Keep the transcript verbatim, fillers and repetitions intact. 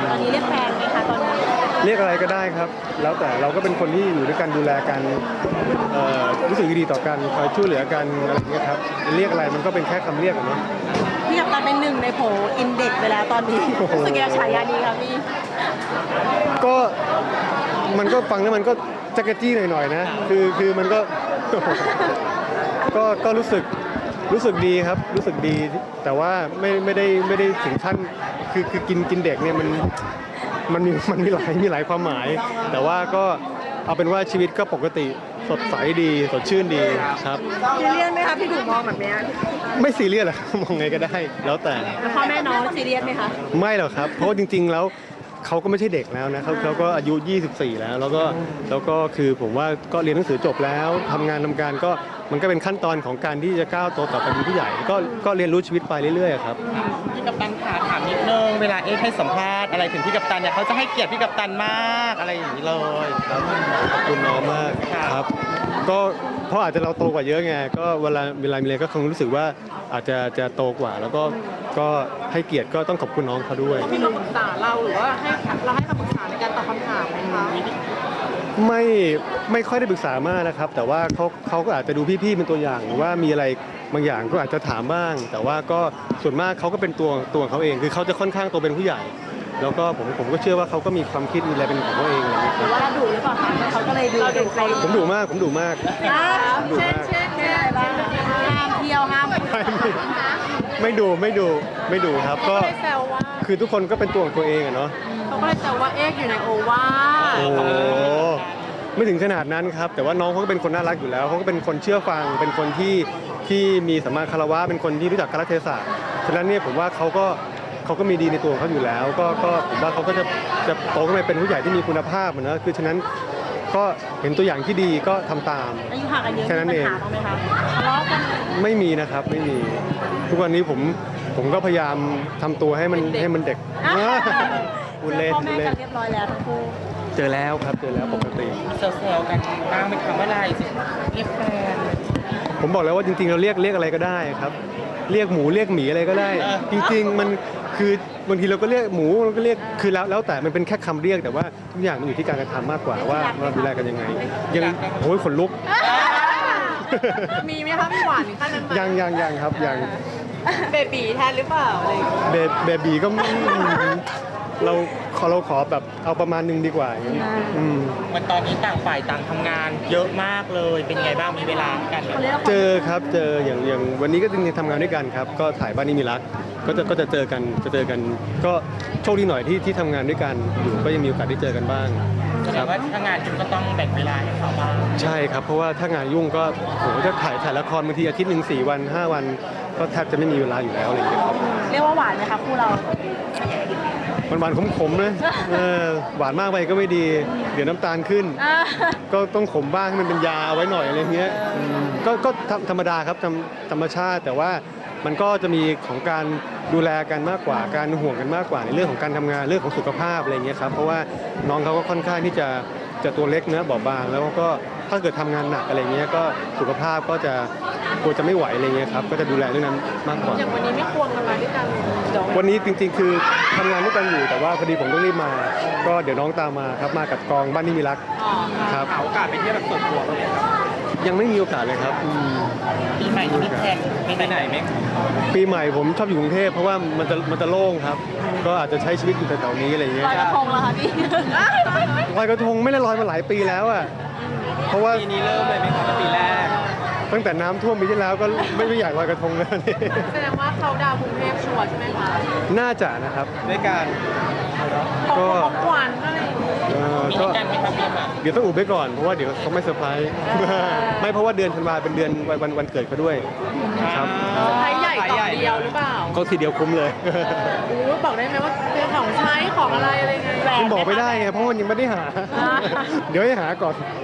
ตอนนี้เรียกแฟนไหมคะตอนนี้เรียกอะไรก็ได้ครับแล้วแต่เราก็เป็นคนที่อยู่ด้วยกันดูแลกันรู้สึกดีต่อกันคอยช่วยเหลือกันอะไรอย่างเงี้ยครับเรียกอะไรมันก็เป็นแค่คำเรียกอะเนาะพี่กัปตันเป็นหนึ่งในโผอินเด็กซ์ไปแล้วตอนนี้รู้สึกยังไงฉายานี้ครับพี่ก็มันก็ฟังแล้วมันก็จักรจี้หน่อยๆนะคือคือมันก็ก็ก็รู้สึกรู้สึกดีครับรู้สึกดีแต่ว่าไม่ไม่ได้ไม่ได้ถึงขั้นคือคือกินกินเด็กเนี่ยมันมันมีมันมีหลายมีหลายความหมายแต่ว่าก็เอาเป็นว่าชีวิตก็ปกติสดใสดีสดชื่นดีครับซีเรียสไหมคะพี่ดูมองแบบนี้ไม่ซีเรียสหรอกมองไงก็ได้แล้วแต่พ่อแม่น้องซีเรียสไหมคะไม่หรอกครับเพราะจริงๆแล้วเขาก็ไม่ใช่เด็กแล้วนะเขาเขาก็อายุยี่สิบสี่แล้วแล้วก็แล้วก็คือผมว่าก็เรียนหนังสือจบแล้วทำงานทำการก็มันก็เป็นขั้นตอนของการที่จะก้าวโตต่อไปเป็นผู้ใหญ่ก็ก็เรียนรู้ชีวิตไปเรื่อยๆครับพี่กัปตันขาถามนิดนึงเวลาเอ๊ให้สัมภาษณ์อะไรถึงพี่กัปตันเนี่ยเขาจะให้เกียรติพี่กัปตันมากอะไรอย่างนี้เลยครับขอบคุณน้องมากครับก็เพราะอาจจะเราโตกว่าเยอะไงก็เวลาเวลามีอะไรก็คงรู้สึกว่าอาจจะจะโตกว่าแล้วก็ก็ให้เกียรติก็ต้องขอบคุณน้องเขาด้วยพี่มาปรึกษาเราหรือว่าให้เราให้คำปรึกษาในการตอบคำถามไหมคะไม่ไม่ค่อยได้ปรึกษามากนะครับแต่ว่าเขาเขาก็อาจจะดูพี่ๆเป็นตัวอย่างว่ามีอะไรบางอย่างก็อาจจะถามบ้าง แต่ว่าก็ส่วนมากเขาก็เป็นตัวตัวเขาเองคือเขาจะค่อนข้างโตเป็นผู้ใหญ่แล้วก็ผมผมก็เชื่อว่าเขาก็มีความคิดมีอะไรเป็นของเขาเองอะไรอย่างเงี้ยหรือว่าเราดุหรือเปล่าคะเขาก็เลยดูเด็กไปผมดุมากผมดุมากเช่นเช่นอะไรบ้างห้ามเที่ยวห้ามไม่ดุไม่ดุไม่ดุครับก็คือทุกคนก็เป็นตัวของตัวเองอะเนาะเขาก็เลยแซวว่าเอ๊กอยู่ในโอวาโอ้ไม่ถึงขนาดนั้นครับแต่ว่าน้องเขาก็เป็นคนน่ารักอยู่แล้วเขาก็เป็นคนเชื่อฟังเป็นคนที่ที่มีสัมมาคารวะเป็นคนที่รู้จักกาลเทศะฉะนั้นเนี่ยผมว่าเขาก็เขาก็มีดีในตัวของเขาอยู่แล้วก็ก็ผมว่าเขาก็จะจะโตขึ้นมาเป็นผู้ใหญ่ที่มีคุณภาพนะคือฉะนั้นก็เห็นตัวอย่างที่ดีก็ทำตามอายุห่างกันเยอะแค่นั้นเองทะเลาะกันไม่มีนะครับไม่มีทุกวันนี้ผมผมก็พยายามทำตัวให้มันให้มันเด็กอุเล่นพ่อแม่กันเรียบร้อยแล้วทั้งคู่เจอแล้วครับเจอแล้วปกติเซลล์กันบ้างเป็นคำว่าอะไรเรียกแฟนผมบอกแล้วว่าจริงๆเราเรียกเรียกอะไรก็ได้ครับเรียกหมูเรียกหมีอะไรก็ได้จริงๆมันคือบางทีเราก็เรียกหมูเราก็เรียกคือแล้วแล้วแต่มันเป็นแค่คำเรียกแต่ว่าทุกอย่างมันอยู่ที่การกระทำมากกว่าว่าเราดูแลกันยังไงยังโอ้ยขนลุกมีไหมคะพี่หวานขั้นนั้นยังยังยังครับยังเบบีแทนหรือเปล่าอะไรเบเบบีก็เราขอเราขอแบบเอาประมาณนึงดีกว่าอย่างนี้มันตอนนี้ต่างฝ่ายต่างทำงานเยอะมากเลยเป็นไงบ้างมีเวลากันเจอครับเจออย่างอย่างวันนี้ก็จริงๆทำงานด้วยกันครับก็ถ่ายบ้านนี้มีรักก็จะก็จะเจอกันจะเจอกันก็โชคดีหน่อยที่ที่ทำงานด้วยกันอยู่ก็ยังมีโอกาสได้เจอกันบ้างแสดงว่าถ้างานยุ่งก็ต้องแบ่งเวลาให้เขาบ้างใช่ครับเพราะว่าถ้างานยุ่งก็โหจะถ่ายถ่ายละครบางทีอาทิตย์หนึ่งสี่วันห้าวันก็แทบจะไม่มีเวลาอยู่แล้วอะไรอย่างเงี้ยครับเรียกว่าหวานไหมครับคู่เรามันหวานขมๆนะหวานมากไปก็ไม่ดีเดี๋ยวน้ำตาลขึ้นก็ต้องขมบ้างให้มันเป็นยาเอาไว้หน่อยอะไรเงี้ยก็ก็ธรรมดาครับธรรมชาติแต่ว่ามันก็จะมีของการดูแลกันมากกว่าการห่วงกันมากกว่าในเรื่องของการทำงานเรื่องของสุขภาพอะไรเงี้ยครับเพราะว่าน้องเขาก็ค่อนข้างที่จะจะตัวเล็กเนื้อบอบบางแล้วก็ถ้าเกิดทำงานหนักอะไรเงี้ยก็สุขภาพก็จะกลัวจะไม่ไหวอะไรเงี้ยครับก็จะดูแลเรื่องนั้นมากกว่าอย่างวันนี้ไม่ควงกันมาด้วยกันวันนี้จริงๆคือทำงานด้วยกันอยู่แต่ว่าพอดีผมต้องรีบมาก็เดี๋ยวน้องตามมาครับมากับกองบ้านนี้มีรักครับหาโอกาสไปเที่ยวแบบส่วนตัวเลยครับยังไม่มีโอกาสเลยครับปีใหม่ที่แพลนไปไหนไหมปีใหม่ผมชอบอยู่กรุงเทพเพราะว่ามันจะมันจะโล่งครับก็อาจจะใช้ชีวิตอยู่แถวๆนี้อะไรอย่างเงี้ยลอยกระทงเหรอคะพี่ลอยกระทงไม่ได้ลอยมาหลายปีแล้วอ่ะเพราะว่าปีนี้เริ่มเลยไหมครับปีแรกตั้งแต่น้ำท่วมปีที่แล้วก็ไม่ไม่อยากลอยกระทงแล้วนี่แสดงว่าเขาดาวกรุงเทพชัวร์ใช่ไหมคะน่าจะนะครับด้วยการก็ขวัญอะไรก็เดี๋ยวต้องอุบไว้ก่อนเพราะว่าเดี๋ยวเขาไม่เซอร์ไพรส์ไม่เพราะว่าเดือนธันวาเป็นเดือนวันวันเกิดเขาด้วยครับเซอร์ไพรส์ใหญ่ต่อเดียวหรือเปล่าก็ทีเดียวคุ้มเลยบอกได้ไหมว่าเป็นของใช้ของอะไรอะไรไงคุณบอกไม่ได้ไงเพราะมันยังไม่ได้หาเดี๋ยวให้หาก่อน